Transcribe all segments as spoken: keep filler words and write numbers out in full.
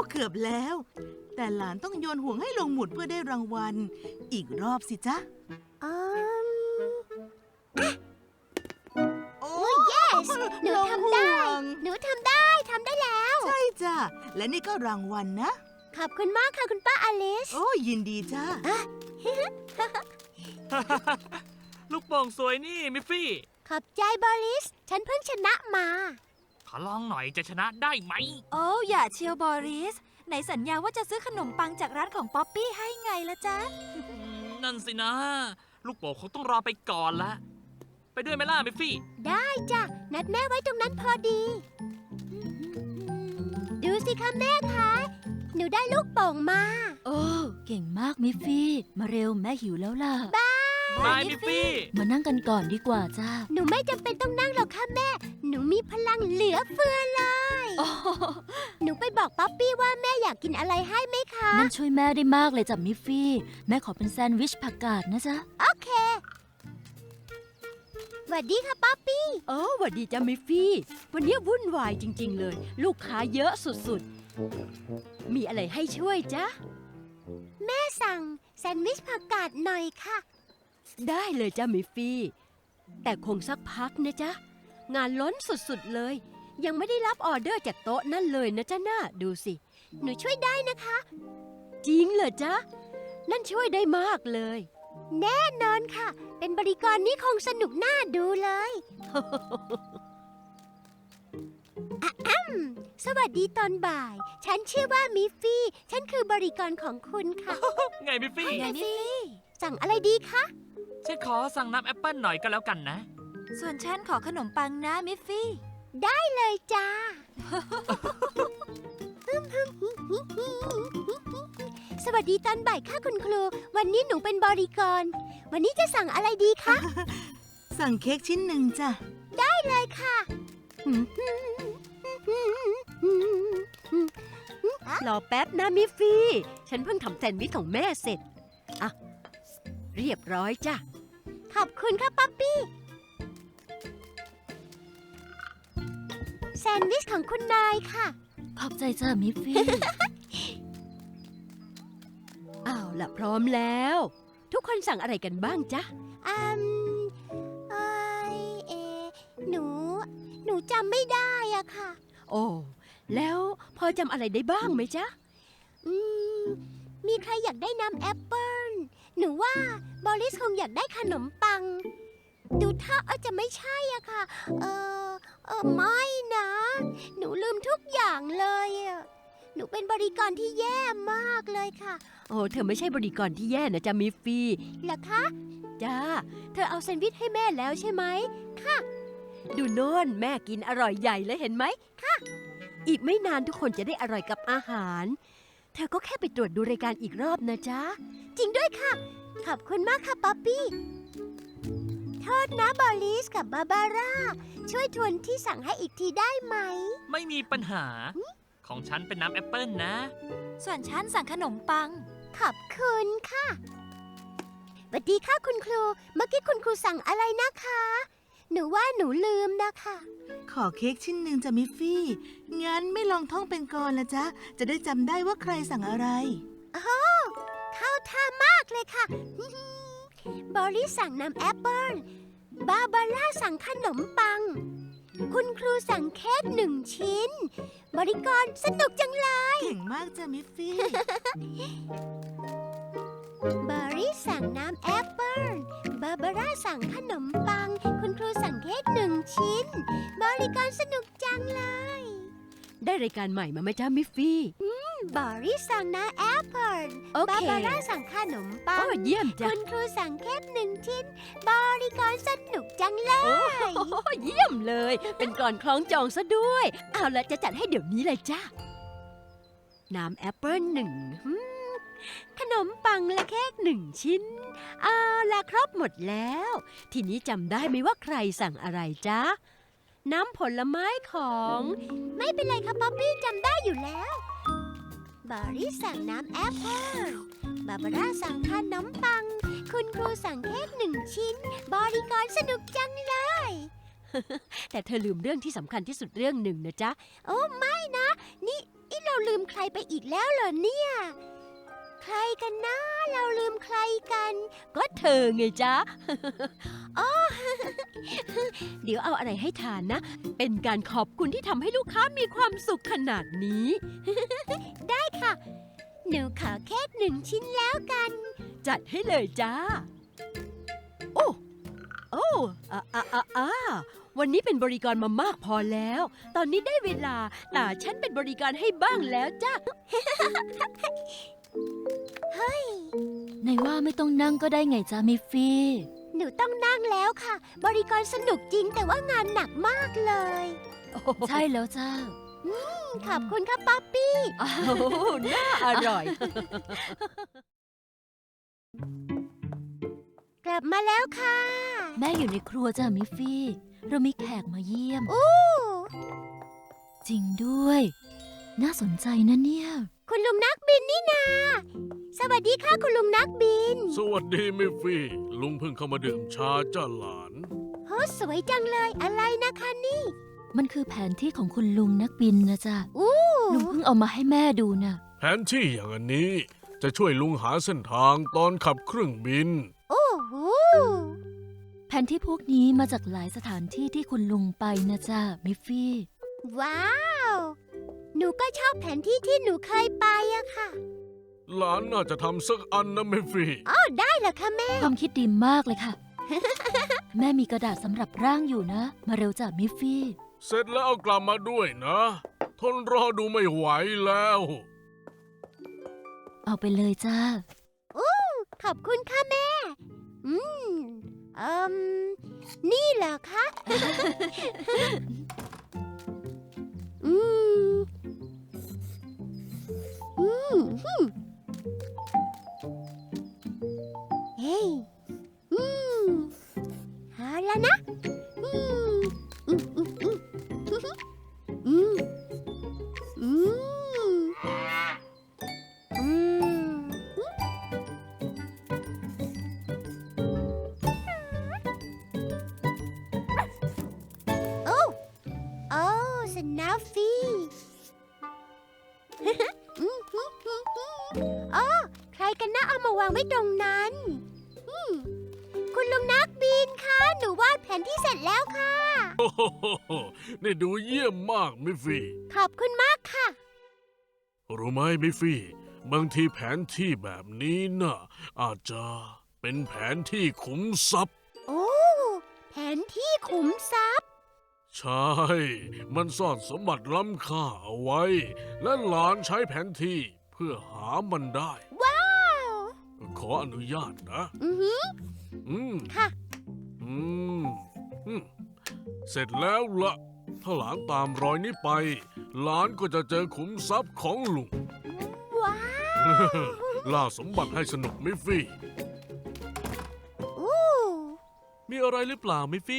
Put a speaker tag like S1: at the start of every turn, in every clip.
S1: เกือบแล้ว แต่หลานต้องโยนห่วงให้ลงหมุดเพื่อได้รางวัลอีกรอบสิจ๊ะ
S2: อืม
S1: โอ้
S2: yes หนูทำได้
S1: ลงห่วง
S2: หนูทำได้ทำได้แล้ว
S1: ใช่จ้ะ และนี่ก็รางวัลนะ
S2: ขอบคุณมากค่ะคุณป้าอลิส
S1: โอ้ยินดีจ้า
S3: ลูกโป่งสวยนี่มิฟฟี่
S2: ขอบใจบอริส ฉันเพิ่งชนะมา
S3: ขอลองหน่อยจะชนะได้ไหม
S4: โอ้อย่าเชียวบอริสไหนสัญญาว่าจะซื้อขนมปังจากร้านของป๊อปปี้ให้ไงละจ๊ะ
S3: นั่นสินะ ลูกโป่งคงต้องรอไปก่อนละ ไปด้วยไหมล่ะมิฟฟี่
S2: ได้จ้ะ นัดแม่ไว้ตรงนั้นพอดี ดูสิคะแม่คะ หนูได้ลูกโป่งมา
S4: โอ้เก่งมากมิฟฟี่ มาเร็วแม่หิวแล้วล่ะ
S3: บายมิฟฟี่
S4: มานั่งกันก่อนดีกว่าจ้า
S2: หนูไม่จำเป็นต้องนั่งหรอกค่ะแม่ หนูมีพลังเหลือเฟือเลย
S4: โอ้
S2: หนูไปบอกป๊อปปี้ว่าแม่อยากกินอะไรให้ไหมคะ
S4: นั่นช่วยแม่ได้มากเลยจ้ะมิฟฟี่ แม่ขอเป็นแซนด์วิชผักกาดนะจ๊ะ
S2: โอเคสวัสดีค่ะป๊อปปี้
S5: เออหวัดดีจ้ามิฟฟี่ วันนี้วุ่นวายจริง ๆ เลย ลูกค้าเยอะสุดๆ มีอะไรให้ช่วยจ๊ะ
S2: แม่สั่งแซนด์วิชผักกาดหน่อยค่ะ
S5: ได้เลยจ้ามิฟฟี่ แต่คงสักพักนะจ๊ะ งานล้นสุดๆเลย ยังไม่ได้รับออเดอร์จากโต๊ะนั่นเลยนะจ๊ะน่าดูสิ
S2: หนูช่วยได้นะคะ
S5: จริงเหรอจ๊ะ นั่นช่วยได้มากเลย
S2: แน่นอนค่ะ เป็นบริกรนี้คงสนุกน่าดูเลย อะอ้ำสวัสดีตอนบ่าย ฉันชื่อว่ามิฟฟี่ ฉันคือบริกรของคุณค่ะ
S3: ไงมิฟฟี่
S4: ไงมิฟฟี่
S2: สั่งอะไรดีคะ
S3: ฉันขอสั่งน้ำแอปเปิลหน่อยก็แล้วกันนะ
S4: ส่วนฉันขอขนมปังนะมิฟฟี่
S2: ได้เลยจ้า สวัสดีตอนบ่ายค่ะคุณครู วันนี้หนูเป็นบริกร วันนี้จะสั่งอะไรดีคะ
S1: สั่งเค้กชิ้นหนึ่งจ้ะ
S2: เลยค่ะ
S5: รอแป๊บนะมิฟฟี่ ฉันเพิ่งทำแซนด์วิชของแม่เสร็จ อ่ะ เรียบร้อยจ้ะ
S2: ขอบคุณค่ะป๊อปปี้ แซนด์วิชของคุณนายค่ะ
S4: ขอบใจจ้ามิฟฟี่
S5: อ้าวละพร้อมแล้ว ทุกคนสั่งอะไรกันบ้างจ๊ะ
S2: อืมเอ้ยเอ หนู หนูจำไม่ได้อะค่ะ
S5: โอ้ แล้วพอจำอะไรได้บ้างไหมจ๊ะ
S2: อืม มีใครอยากได้น้ำแอปเปิ้ล หนูว่าบอริสคงอยากได้ขนมปัง ดูท่าเออจะไม่ใช่อะค่ะ เออเออไม่นะ หนูลืมทุกอย่างเลยอะหนูเป็นบริกรที่แย่มากเลยค่ะ
S5: โอ้เธอไม่ใช่บริกรที่แย่นะจ๊ะมิฟฟี่
S2: เหรอคะ
S5: จ้า เธอเอาแซนด์วิชให้แม่แล้วใช่ไหม ค่ะ ดูโน่นแม่กินอร่อยใหญ่เลยเห็นไหม ค่ะ อีกไม่นานทุกคนจะได้อร่อยกับอาหาร เธอก็แค่ไปตรวจดูรายการอีกรอบนะจ๊ะ
S2: จริงด้วยค่ะ ขอบคุณมากค่ะป๊อปปี้ โทษนะบอลิสกับบาบาร่า ช่วยทวนที่สั่งให้อีกทีได้ไหม
S3: ไม่มีปัญหา ของฉันเป็นน้ำแอปเปิลนะ
S4: ส่วนฉันสั่งขนมปัง
S2: ขอบคุณค่ะสวัสดีค่ะคุณครู เมื่อกี้คุณครูสั่งอะไรนะคะ หนูว่าหนูลืมนะคะ
S1: ขอเค้กชิ้นหนึ่งจ้ะมิฟฟี่ งั้นไม่ลองท่องเป็นกลละจ๊ะ จะได้จำได้ว่าใครสั่งอะไร
S2: เข้าท่ามากเลยค่ะ บอริสสั่งน้ำแอปเปิ้ล บาบาร่าสั่งขนมปัง คุณครูสั่งเค้กหนึ่งชิ้น บริกรสนุกจังเลย
S1: เก่งมากจ้ะมิฟฟี่
S2: บอริสสั่งน้ำแอปเปิ้ล บาบาร่าสั่งขนมปัง คุณครูสั่งเค้กหนึ่งชิ้น บริกรสนุกจังเลย
S5: ได้รายการใหม่มาไหมจ๊ะมิฟฟี่
S2: บอริสสั่งน้ำแอปเปิ้ล
S5: โอเค
S2: บาบาร่าสั่งขนมปั
S5: โอ้
S2: ง
S5: เยี่ยมจ้ะ
S2: คุณครูสั่งเค้กหนึ่งชิ้น บริกรสนุกจังเลย
S5: โอ้เยี่ยมเลย เป็นกลอนคล้องจองซะด้วย เอาละจะจัดให้เดี๋ยวนี้เลยจ้ะ น้ำแอปเปิ้ลหนึ่งหืมขนมปังและเค้กหนึ่งชิ้น เอาละครบหมดแล้ว ทีนี้จำได้ไหมว่าใครสั่งอะไรจ๊ะ น้ำผลไม้ของ
S2: ไม่เป็นไรค่ะป๊อปปี้จำได้อยู่แล้ว บอริสสั่งน้ำแอปเปิ้ล บาบาร่าสั่งขนมปัง คุณครูสั่งเค้กหนึ่งชิ้น บริกรสนุกจังเลย
S5: แต่เธอลืมเรื่องที่สำคัญที่สุดเรื่องหนึ่งนะจ๊ะ
S2: โอ้ไม่นะ นี่นี่เราลืมใครไปอีกแล้วเหรอเนี่ย ใครกันนะ เราลืมใครกัน
S5: ก็เธอไงจ๊ะ อ๋อ เดี๋ยวเอาอะไรให้ทานนะ เป็นการขอบคุณที่ทำให้ลูกค้ามีความสุขขนาดนี้
S2: ได้ค่ะ หนูขอเค้กหนึ่งชิ้นแล้วกัน
S5: จัดให้เลยจ้า โอ้ โอ้อ่าอ่าอ่าอ่าวันนี้เป็นบริการมามากพอแล้ว ตอนนี้ได้เวลาตาฉันเป็นบริการให้บ้างแล้วจ้า
S4: ในว่าไม่ต้องนั่งก็ได้ไงจ้ามิฟฟี่
S2: หนูต้องนั่งแล้วค่ะ บริการสนุกจริงแต่ว่างานหนักมากเลย
S4: ใช่แล้วจ้า
S2: ขอบคุณค่ะป๊อปปี้
S5: โอ้น่าอร่อย
S2: กลับมาแล้วค่ะ
S4: แม่อยู่ในครัวจ้ามิฟฟี่ เรามีแขกมาเยี่ยม
S2: อู้
S4: จริงด้วย น่าสนใจนะเนี่ย
S2: คุณลุงนักบินนี่นา สวัสดีค่ะคุณลุงนักบิน
S6: สวัสดีมิฟฟี่ ลุงเพิ่งเข้ามาดื่มชาจ้าหลาน
S2: โหสวยจังเลยอะไรนะคะนี่
S4: มันคือแผนที่ของคุณลุงนักบินนะจ๊ะ
S2: อู้
S4: ลุงเพิ่งเอามาให้แม่ดูน่ะ
S6: แผนที่อย่างอันนี้จะช่วยลุงหาเส้นทางตอนขับเครื่องบิน
S2: โอ้โห
S4: แผนที่พวกนี้มาจากหลายสถานที่ที่คุณลุงไปนะจ๊ะมิฟฟี่
S2: ว้าว หนูก็ชอบแผนที่ที่หนูเคยไปอะค่ะ
S6: หลานน่าจะทำสักอันนะมิฟฟี่
S2: อ๋อได้เหรอคะแม่
S4: ความคิดดีมากเลยค่ะ แม่มีกระดาษสำหรับร่างอยู่นะ มาเร็วจ้ะมิฟฟี่
S6: เสร็จแล้วเอากลับมาด้วยนะ ทนรอดูไม่ไหวแล้ว
S4: เอาไปเลยจ้า
S2: ขอบคุณค่ะแม่ อืมเอืมนี่เหรอคะ อืม อืมฮึ่มเฮ้ย อืมเอาแล้วนะ อืม อืม อืม อืม อืม อืม อืม โอ้โอ้สนาฟฟี่ อ๋อใครกันนะเอามาวางไว้ตรงนั้นอืมคุณลุงนักบินคะ หนูวาดแผนที่เสร็จแล้วค่ะ
S6: โอ้โหนี่ดูเยี่ยมมากมิฟฟี่
S2: ขอบคุณมากค่ะ
S6: รู้ไหมมิฟฟี่ บางทีแผนที่แบบนี้น่ะอาจจะเป็นแผนที่ขุมทรัพย์
S2: โอ้ แผนที่ขุมทรัพย์
S6: ใช่ มันซ่อนสมบัติล้ำค่าเอาไว้ และหลานใช้แผนที่เพื่อหามันได้
S2: ว้าว
S6: ขออนุญาตนะ
S2: อือหือ
S6: อืม
S2: ค่ะ
S6: อืม อืม เสร็จแล้วละถ้าหลานตามรอยนี้ไป หลานก็จะเจอขุมทรัพย์ของลุง
S2: ว้าว
S6: ล่าสมบัติให้สนุกมิฟฟี่
S2: อู้
S3: มีอะไรหรือเปล่ามิฟฟี่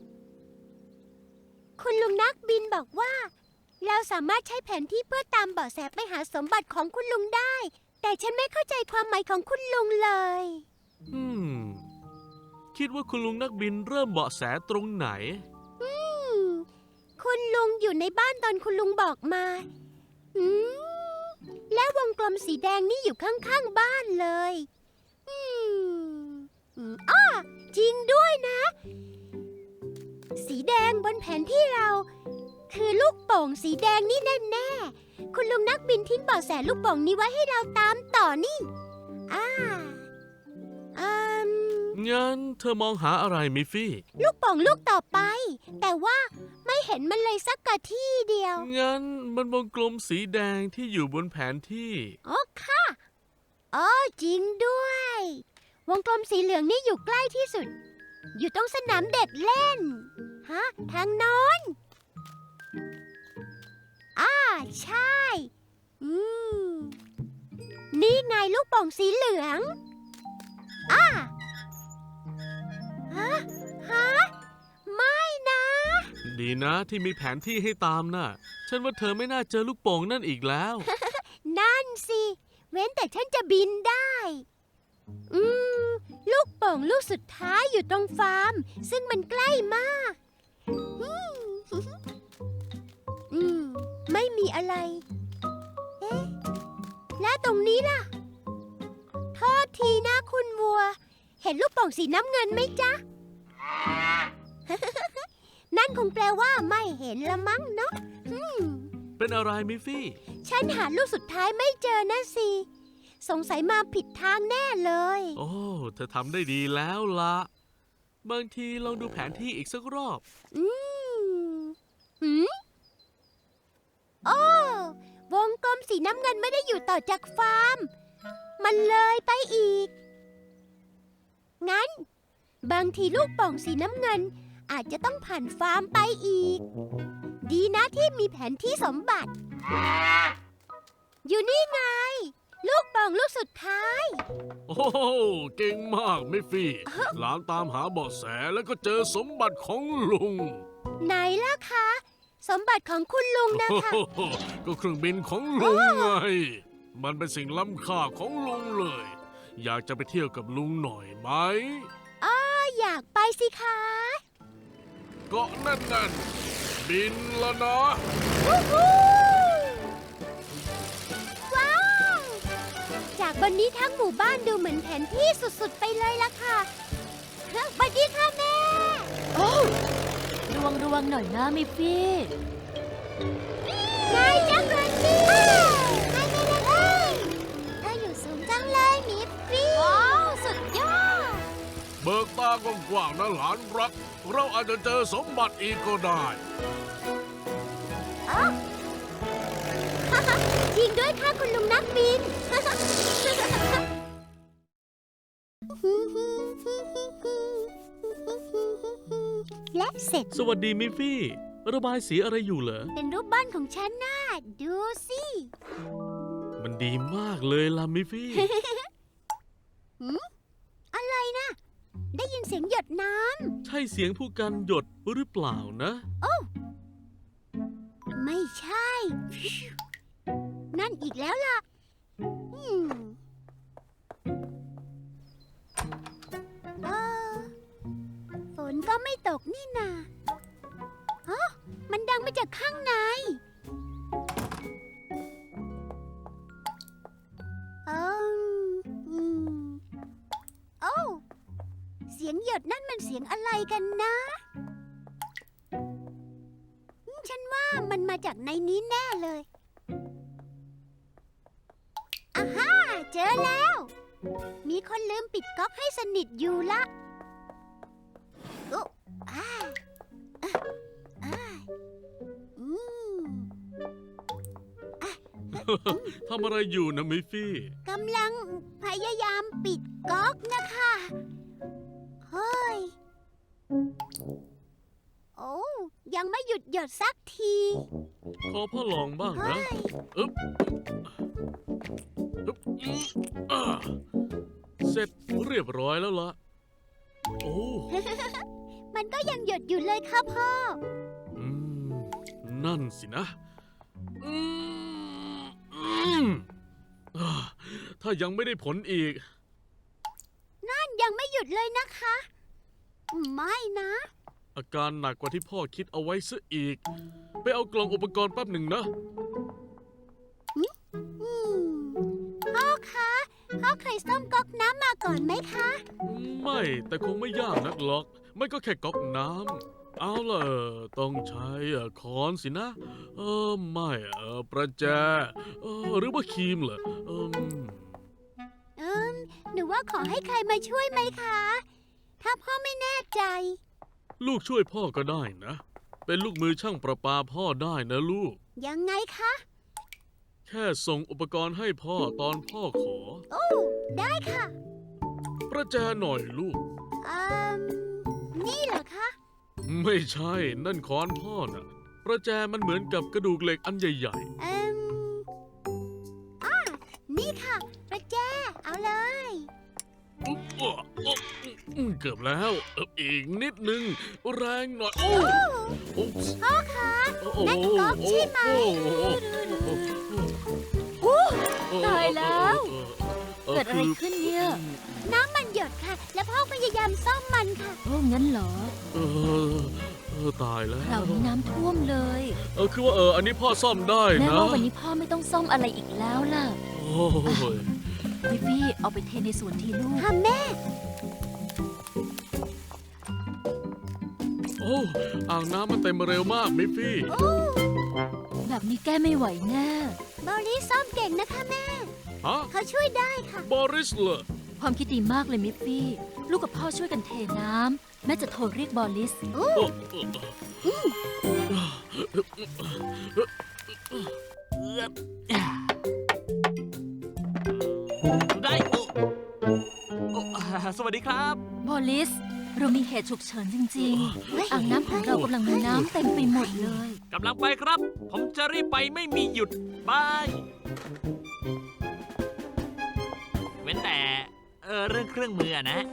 S2: คุณลุงนักบินบอกว่า เราสามารถใช้แผนที่เพื่อตามเบาะแสไปหาสมบัติของคุณลุงได้ แต่ฉันไม่เข้าใจความหมายของคุณลุงเลย
S3: อืม คิดว่าคุณลุงนักบินเริ่มเบาะแสตรงไหน
S2: อืม คุณลุงอยู่ในบ้านตอนคุณลุงบอกมา อืม และวงกลมสีแดงนี่อยู่ข้างๆบ้านเลย อืมอืมอ้อจริงด้วยนะ สีแดงบนแผนที่เรา คือลูกโป่งสีแดงนี่แน่ๆ คุณลุงนักบินทิ้งเบาะแสลูกโป่งนี้ไว้ให้เราตามต่อนี่ อ่าอืม
S3: งั้นเธอมองหาอะไรมิฟฟี่
S2: ลูกโป่งลูกต่อไป แต่ว่าไม่เห็นมันเลยสักกะที่เดียว
S3: งั้นมันวงกลมสีแดงที่อยู่บนแผนที่
S2: อ๋อค่ะ อ๋อจริงด้วย วงกลมสีเหลืองนี่อยู่ใกล้ที่สุด อยู่ตรงสนามเด็กเล่น ฮะ ทางโน้นอ่าใช่ อืม นี่ไงลูกโป่งสีเหลืองอ่าฮะ ฮะ ไม่นะ
S3: ดีนะที่มีแผนที่ให้ตามน่ะ ฉันว่าเธอไม่น่าเจอลูกโป่งนั่นอีกแล้ว
S2: นั่นสิ เว้นแต่ฉันจะบินได้ อืม ลูกโป่งลูกสุดท้ายอยู่ตรงฟาร์ม ซึ่งมันใกล้มากอืมอืม ไม่มีอะไรเอ๊ะ และตรงนี้ล่ะ โทษทีนะคุณวัว เห็นลูกโป่งสีน้ำเงินไหมจ๊ะ นั่นคงแปลว่าไม่เห็นละมั้งเนาะอืม
S3: เป็นอะไรมิฟฟี่
S2: ฉันหาลูกสุดท้ายไม่เจอนะสิ สงสัยมาผิดทางแน่เลย
S3: โอ้ เธอทำได้ดีแล้วละบางทีลองดูแผนที่อีกสักรอบ
S2: อืมหืมโอ้วงกลมสีน้ำเงินไม่ได้อยู่ต่อจากฟาร์ม มันเลยไปอีก งั้น บางทีลูกโป่องสีน้ำเงิน อาจจะต้องผ่านฟาร์มไปอีก ดีนะที่มีแผนที่สมบัติ อยู่นี่ไง ลูกโป่องลูกสุดท้าย
S6: โอ้โหเก่งมากมิฟฟี่ หลานตามหาเบาะแสแล้วก็เจอสมบัติของลุง
S2: ไหนล่ะคะ สมบัติของคุณลุงนะคะ
S6: โอ้โหก็เครื่องบินของลุงไง มันเป็นสิ่งล้ำค่าของลุงเลย อยากจะไปเที่ยวกับลุงหน่อยไหม
S2: อยากไปสิคะ
S6: เกาะแน่นๆบินแล้วนะ
S2: วู้ฮู้ว้าว จากบนนี้ทั้งหมู่บ้านดูเหมือนแผนที่สุดๆไปเลยล่ะค่ะเฮ้ยบัดดี้ค่ะแม่
S4: โอ้ระวังระวังหน่อยนะมิฟฟี่
S2: ไงจังเลยนี่ไงไงไงเธออยู่สูงจังเลยมิฟฟี่ว้าวสุดยอด
S6: เบิกตากว้างๆนะหลานรัก เราอาจจะเจอสมบัติอีกก็ได้
S2: อ๋อ จริงด้วยค่ะคุณลุงนักบิน และเสร็จ
S3: สวัสดีมิฟฟี่ ระบายสีอะไรอยู่เหรอ
S2: เป็นรูปบ้านของฉันน่ะดูสิ
S3: มันดีมากเลยล่ะมิฟฟี่
S2: อะไรนะ ได้ยินเสียงหยดน้
S3: ใช่เสียงผู้กันหยดหรือเปล่านะ
S2: ำ ไม่ใช่ นั่นอีกแล้วล่ะอืมเออฝนก็ไม่ตกนี่นาอ๋อมันดังมาจากข้างในเอออืมโอ้เสียงหยดนั่นมันเสียงอะไรกันนะอืมฉันว่ามันมาจากในนี้แน่เลยอาฮ่าเจอแล้ว มีคนลืมปิดก๊อกให้สนิทอยู่ละโอ้อาอ่ะอ่าอืม
S3: ทำอะไรอยู่นะมิฟฟี่
S2: กำลังพยายามปิดก๊อกนะคะเฮ้ย โอ้ยังไม่หยุดหยดสักที
S3: ขอพ่อลองบ้าง
S2: เฮ้
S3: นะ
S2: ย
S3: อึ๊บอึ๊บอืมอ่าเสร็จเรียบร้อยแล้วล่ะ โอ้
S2: มันก็ยังหยดอยู่เลยค่ะพ่อ
S3: อืม นั่นสินะ อืมอืมอ่าถ้ายังไม่ได้ผลอีก
S2: นั่นยังไม่หยุดเลยนะคะ ไม่นะ
S3: อาการหนักกว่าที่พ่อคิดเอาไว้ซะอีก ไปเอากล่องอุปกรณ์แป๊บหนึ่งนะ
S2: อืมพ่อคะพ่อเคยซ่อมก๊อกน้ำมาก่อนไหมคะ
S3: ไม่แต่คงไม่ยากนักหรอก ไม่ก็แค่ก๊อกน้ำเอาล่ะต้องใช้อ่ะค้อนสินะ เออไม่เออประแจเออหรือว่าครีมเหรอเอม
S2: เอิมหนูว่าขอให้ใครมาช่วยไหมคะ ถ้าพ่อไม่แน่ใจ
S3: ลูกช่วยพ่อก็ได้นะ เป็นลูกมือช่างประปาพ่อได้นะลูก
S2: ยังไงคะ
S3: แค่ส่งอุปกรณ์ให้พ่อตอนพ่อขอ
S2: โอ้ ได้ค่ะ
S3: ประแจหน่อยลูก
S2: อืมนี่เหรอคะ
S3: ไม่ใช่นั่นค้อนพ่อน่ะ ประแจมันเหมือนกับกระดูกเหล็กอันใหญ่
S2: เอืมอ่านี่ค่ะ ประแจ เอาเลย
S3: ๆอุ๊บอ๊ะอ๊ะอืมเกือบแล้วเอออีกนิดนึง แรงหน่อยโอ้อุ๊บ
S2: พ่อคะ
S3: โอ้โห
S2: นั่นก๊อกใช่ไหม
S3: โอ้โห
S4: ตายแล้ว
S3: ออ
S4: เกิดอะไรขึ้นเนี่ย
S2: น้ำมันหยดค่ะ และพ่อพยายามซ่อมมันค่ะ
S4: โอ้งั้นเหรอ
S3: เออเอออตายแล้ว
S4: คราวนี้น้ำท่วมเลย
S3: เออคือว่าเอออันนี้พ่อซ่อมได้
S4: แม่
S3: นะ
S4: ว่าวันนี้พ่อไม่ต้องซ่อมอะไรอีกแล้วล่ะ
S3: โอ้ย
S4: มิฟฟี่เอาไปเทในสวนทีลูก
S2: ค่ะแม่
S3: โอ้อ่างน้ำมันเต็มเร็วมากมิฟฟี่
S4: แบบนี้แก้ไม่ไหวแน่
S2: บอลลิสซ่อมเก่งนะคะแม่
S3: ฮะ
S2: เขาช่วยได้ค่ะ
S3: บอริสเหรอ
S4: ความคิดดีมากเลยมิฟฟี่ ลูกกับพ่อช่วยกันเทน้ำแม่จะโทรเรียกบอลลิส
S3: โอ้เออ
S7: ได้โอ้โอ้สวัสดีครับ
S4: บอลลิส เรามีเหตุฉุกเฉินจริงๆ อ่างน้ำของเรากำลังมีน้ำเต็มไปหมดเลย
S7: กำลังไปครับ ผมจะรีบไปไม่มีหยุดบายเว้นแต่เออเรื่องเครื่องมืออะนะ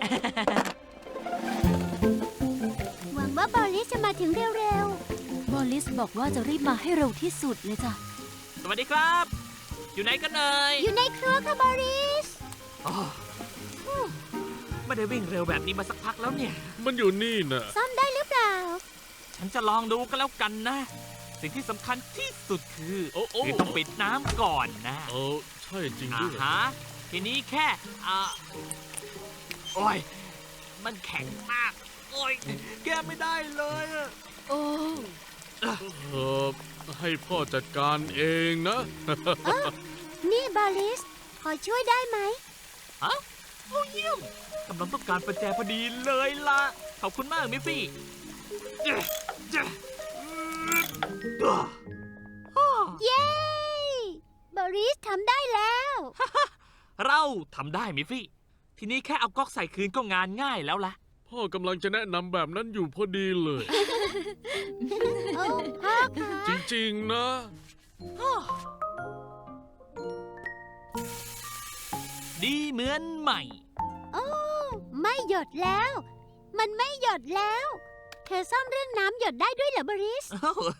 S2: หวังว่าบอลลิสจะมาถึงเร็ว
S4: บอลลิสบอกว่าจะรีบมาให้เร็วที่สุดเลยจ้ะ
S7: สวัสดีครับ อยู่ไหนกันเอ่ย
S2: ๆ อยู่ในครัวค่ะบอลลิส
S7: อ๋อไม่ได้วิ่งเร็วแบบนี้มาสักพักแล้วเนี่ย
S3: มันอยู่นี่น่ะ
S2: ซ่อมได้หรือเปล่า
S7: ฉันจะลองดูก็แล้วกันนะ สิ่งที่สำคัญที่สุดคือ
S3: โอ้โอ้
S7: คือต้องปิดน้ำก่อนนะ
S3: เออใช่จริง
S7: อ่า
S3: ด้วย
S7: ฮะทีนี้แค่อ่าโอ้ย มันแข็งมาก โอ้ย แก้ไม่ได้เลยอะ
S4: โอ้
S3: เออให้พ่อจัดการเองนะ
S2: นี่บอลลิส ขอช่วยได้ไหม
S7: ฮะโอ้เยี่ยมกำลังต้องการประแจพอดีเลยล่ะ ขอบคุณมากมิฟฟี่เจ๊เจ๊อ่าอ่า
S2: เย้ บอลลิสทำได้แล้ว
S7: เราทำได้มิฟฟี่ ทีนี้แค่เอาก๊อกใส่คืนก็งานง่ายแล้วล่ะ
S3: พ่อกำลังจะแนะนำแบบนั้นอยู่พอดีเลย
S2: โอ้พ่อคะ
S3: จริงๆนะ
S7: ดีเหมือนใหม่
S2: โอ้ไม่หยดแล้ว มันไม่หยดแล้ว เธอซ่อมเรื่องน้ำหยดได้ด้วยเหรอบอลลิส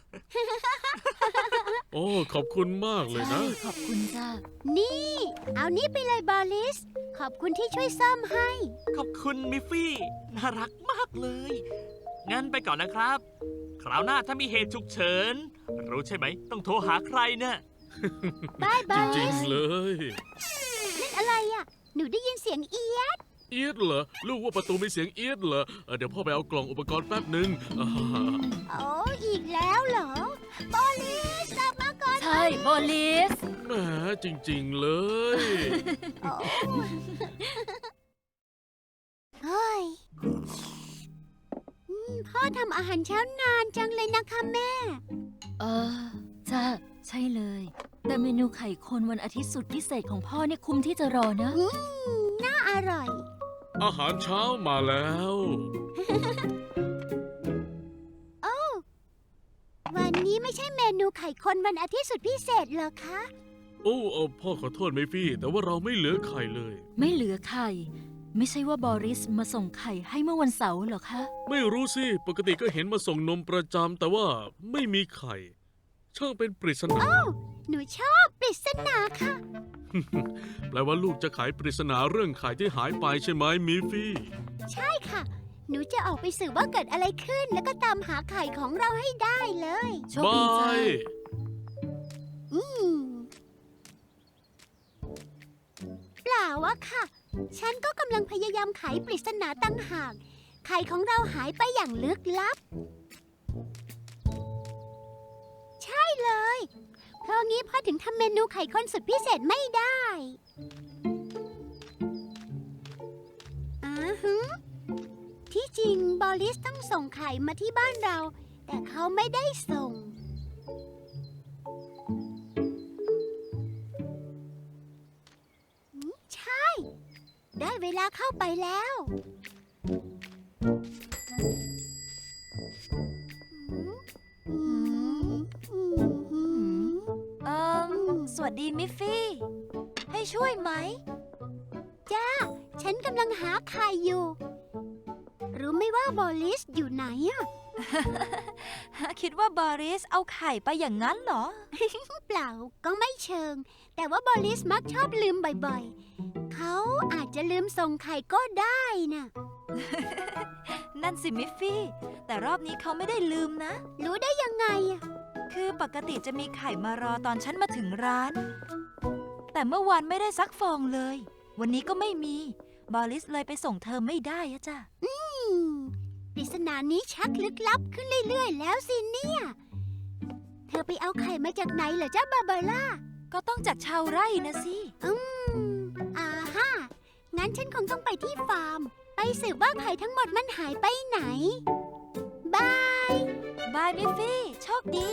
S3: โอ้ขอบคุณมากเลย
S4: ใช่
S3: นะ
S4: ขอบคุณจ้า
S2: นี่ เอานี่ไปเลยบอลลิส ขอบคุณที่ช่วยซ่อมให้
S7: ขอบคุณมิฟฟี่ น่ารักมากเลย งั้นไปก่อนนะครับ คราวหน้าถ้ามีเหตุฉุกเฉิน รู้ใช่ไหม ต้องโทรหาใครเนี่ย
S2: บายบ
S3: จ
S2: อล
S3: ริ
S2: ลิ
S3: ง
S2: ส
S3: ๆเลย
S2: นั่นอะไรอ่ะ หนูได้ยินเสียงเอียด
S3: เอียดเหรอ ลูกว่าประตูมีเสียงเอียดเหรอเออเดี๋ยวพ่อไปเอากล่องอุปกรณ์แป๊บหนึ่งอ่า
S2: โอ้อีกแล้วเหรอ บอลลิสกลับมาก่อน
S4: ใช่บอลลิส
S3: แหมจริงๆเลย
S2: โอ้เฮ้ยอืมพ่อทำอาหารเช้านานจังเลยนะคะแม่
S4: เออจ้าใช่เลย แต่เมนูไข่คนวันอาทิตย์สุดพิเศษของพ่อเนี่ยคุ้มที่จะรอนะ
S2: อืม น่าอร่อย
S3: อาหารเช้ามาแล้ว
S2: โอ้วันนี้ไม่ใช่เมนูไข่คนวันอาทิตย์สุดพิเศษเหรอคะ
S3: โอ้เออพ่อขอโทษไหมพี่ แต่ว่าเราไม่เหลือไข่เลย
S4: ไม่เหลือไข่ ไม่ใช่ว่าบอริสมาส่งไข่ให้เมื่อวันเสาร์เหรอคะ
S3: ไม่รู้สิ ปกติก็เห็นมาส่งนมประจำแต่ว่าไม่มีไข่ ช่างเป็นปริศนา
S2: หนูชอบปริศนาค่ะ
S3: แปลว่าลูกจะขายปริศนาเรื่องไข่ที่หายไปใช่ไหมมิฟฟี่
S2: ใช่ค่ะ หนูจะออกไปสืบว่าเกิดอะไรขึ้น แล้วก็ตามหาไข่ของเราให้ได้เลย
S4: โชคดีจ้า
S3: บาย
S2: อืม เปล่าอะค่ะ ฉันก็กำลังพยายามไขปริศนาตั้งหาก ไข่ของเราหายไปอย่างลึกลับ ใช่เลย เพราะงี้พ่อถึงทำเมนูไข่ข้นสุดพิเศษไม่ได้อ่าฮะที่จริงบอลลิสต้องส่งไข่มาที่บ้านเรา แต่เขาไม่ได้ส่ง ใช่ ได้เวลาเข้าไปแล้วอืมอืมอืม
S4: เอิมสวัสดีมิฟฟี่ ให้ช่วยไหม
S2: จ้า ฉันกำลังหาไข่อยู่ รู้ไหมว่าบอลลิสอยู่ไหนอะ
S4: คิดว่าบอริสเอาไข่ไปอย่างนั้นเหรอ
S2: เปล่าก็ไม่เชิง แต่ว่าบอลลิสมักชอบลืมบ่อยๆ เขเขาอาจจะลืมส่งไข่ก็ได้น่ะ
S4: นั่นสิมิฟฟี่ แต่รอบนี้เขาไม่ได้ลืมนะ
S2: รู้ได้ยังไงอะ
S4: คือปกติจะมีไข่มารอตอนฉันมาถึงร้าน แต่เมื่อวานไม่ได้ซักฟองเลย วันนี้ก็ไม่มี บอลิสเลยไปส่งเธอไม่ได้อะจ้ะ
S2: อืมปริศนานี้ชักลึกลับขึ้นเรื่อยๆแล้วสิเนี่ย เธอไปเอาไข่มาจากไหนเหรอจ้าบาบาร่า
S4: ก็ต้องจากชาวไร่นะสิ
S2: อืมอ่าฮะงั้นฉันคงต้องไปที่ฟาร์ม ไปสืบว่าไข่ทั้งหมดมันหายไปไหน บาย
S4: บายมิฟฟี่ โชคดี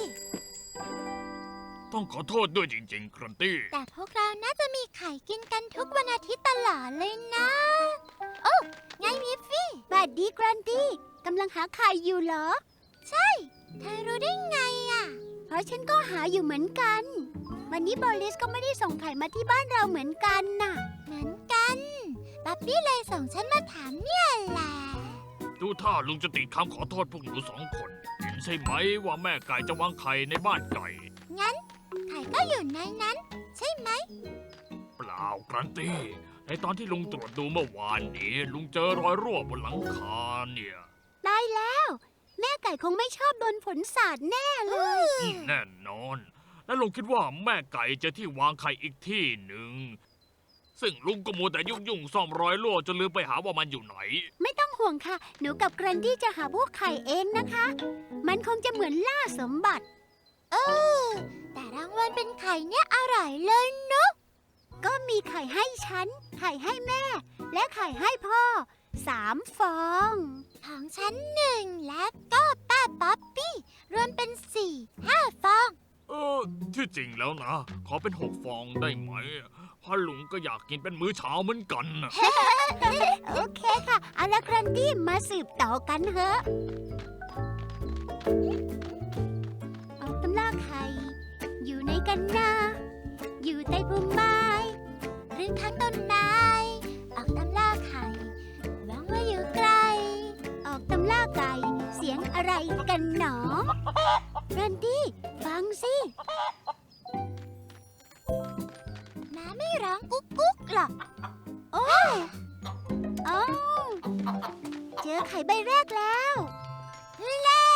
S6: ต้องขอโทษด้วยจริงๆ ครันตี้
S2: แต่พวกเราน่าจะมีไข่กินกันทุกวันอาทิตย์ตลอดเลยนะ โอ้ไงมิฟฟี่บัดดีแกรนตี้กำลังหาไข่อยู่เหรอ ใช่ เธอรู้ได้ไงอ่ะ เพราะฉันก็หาอยู่เหมือนกัน วันนี้บอลิสก็ไม่ได้ส่งไข่มาที่บ้านเราเหมือนกันน่ะ เหมือนกันป๊บบี้เลยส่งฉันมาถามเนี่ยแหละ
S6: ดูท่าลุงจะติดคำขอโทษพวกหนูสองคน เห็นใช่ไหมว่าแม่ไก่จะวางไข่ในบ้านไก่
S2: งั้น ไข่ก็อยู่ในนั้น ใช่ไหม
S6: เปล่าครันตี้ ในตอนที่ลุงตรวจดูเมื่อวานนี้ ลุงเจอรอยรั่วบนหลังคาเนี่ย
S2: ตายแล้ว แม่ไก่คงไม่ชอบโดนฝนสาดแน่เลย
S6: อืมแน่นอน และลุงคิดว่าแม่ไก่เจะที่วางไข่อีกที่หนึ่ง ซึ่งลุงก็มัวแต่ยุ่งยุ่งๆซ่อมรอยรั่วจนลืมไปหาว่ามันอยู่ไหน
S2: ไม่ต้องห่วงค่ะ หนูกับแกรนดี้จะหาพวกไข่เองนะคะ มันคงจะเหมือนล่าสมบัติ เออ แต่รางวัลเป็นไข่เนี่ยอร่อยเลยเนาะก็มีไข่ให้ฉัน ไข่ให้แม่ และไข่ให้พ่อ สามฟอง ของฉันหนึ่งและก็ป้าป๊อปปี้ รวมเป็นสี่ ห้าฟอง
S6: เออ ที่จริงแล้วนะ ขอเป็นหกฟองได้ไหมเพราะลุงก็อยากกินเป็นมื้อเช้าเหมือนกันน่ะ
S2: โอเคค่ะ เอาละแกรนดี้มาสืบต่อกันเถอะ ออกตำล่าไข่ อยู่ในกันนา อยู่ใต้พุ่มไม้ หรือข้างต้นไม้ ออกตำล่าไข่หวังว่าอยู่ไกล ออกตำล่าไก่ เสียงอะไรกันหนอแกรนดี้ฟังสิหมาไม่ร้องกุ๊กกุ๊กหรอก โอ้ยโอ้เจอไข่ใบแรกแล้วเล่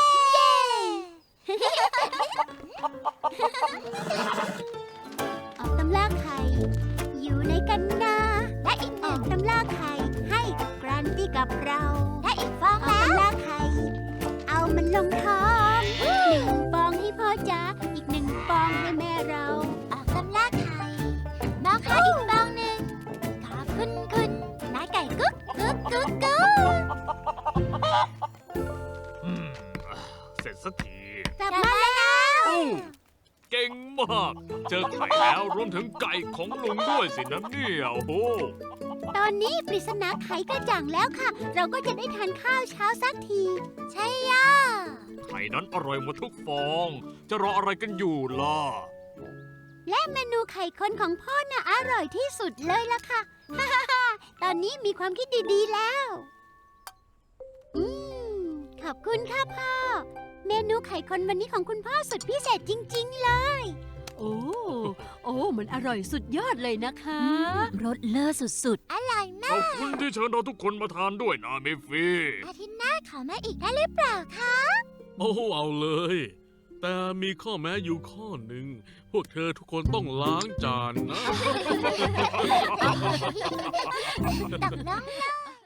S2: ออกตำล่าไข่ อยู่ในกันนาและอีกหนึ่งตำล่าไข่ให้แกรนตี้กับเราและอีกฟองแล้วตำล่าไข่ เอามันลงท้องหนึ่งฟองให้พ่อจ๋าอีกหนึ่งฟองให้แม่เรา ออกตำล่าไข่มองหาอีกฟองหนึ่งขอบคุณคุณนายไก่กุ๊กกุ๊กกุ๊กกุ๊ก
S6: อืม เสร็จสักที
S2: กลับมาแล้ว
S6: อู้เก่งมาก เจอไข่แล้วรวมถึงไก่ของลุงด้วยสินะเนี่ยโอ้โห
S2: ตอนนี้ปริศนาไขกระจ่างแล้วค่ะ เราก็จะได้ทานข้าวเช้าสักที ใช่ย่า
S6: ไข่นั้นอร่อยหมดทุกฟอง จะรออะไรกันอยู่ล่ะ
S2: และเมนูไข่คนของพ่อน่ะอร่อยที่สุดเลยล่ะค่ะ ฮ่าฮ่าฮ่าตอนนี้มีความคิดดีๆแล้ว อืม ขอบคุณค่ะพ่อ เมนูไข่คนวันนี้ของคุณพ่อสุดพิเศษจริงๆเลย
S5: โอ้ โอ้ มันอร่อยสุดยอดเลยนะคะ
S4: รสเลิศสุด
S2: อร่อย
S6: ข
S2: มา
S6: อก บคุณที่เชิญเราทุกคนมาทานด้วยนะเมฟฟี่
S2: อาทิตย์หน้าขอมาอีกได้หรือเปล่าคะ
S3: โอ้เอาเลย แต่มีข้อแม้อยู่ข้อหนึ่ง พวกเธอทุกคนต้องล้างจานนะ
S2: ตกลงเลย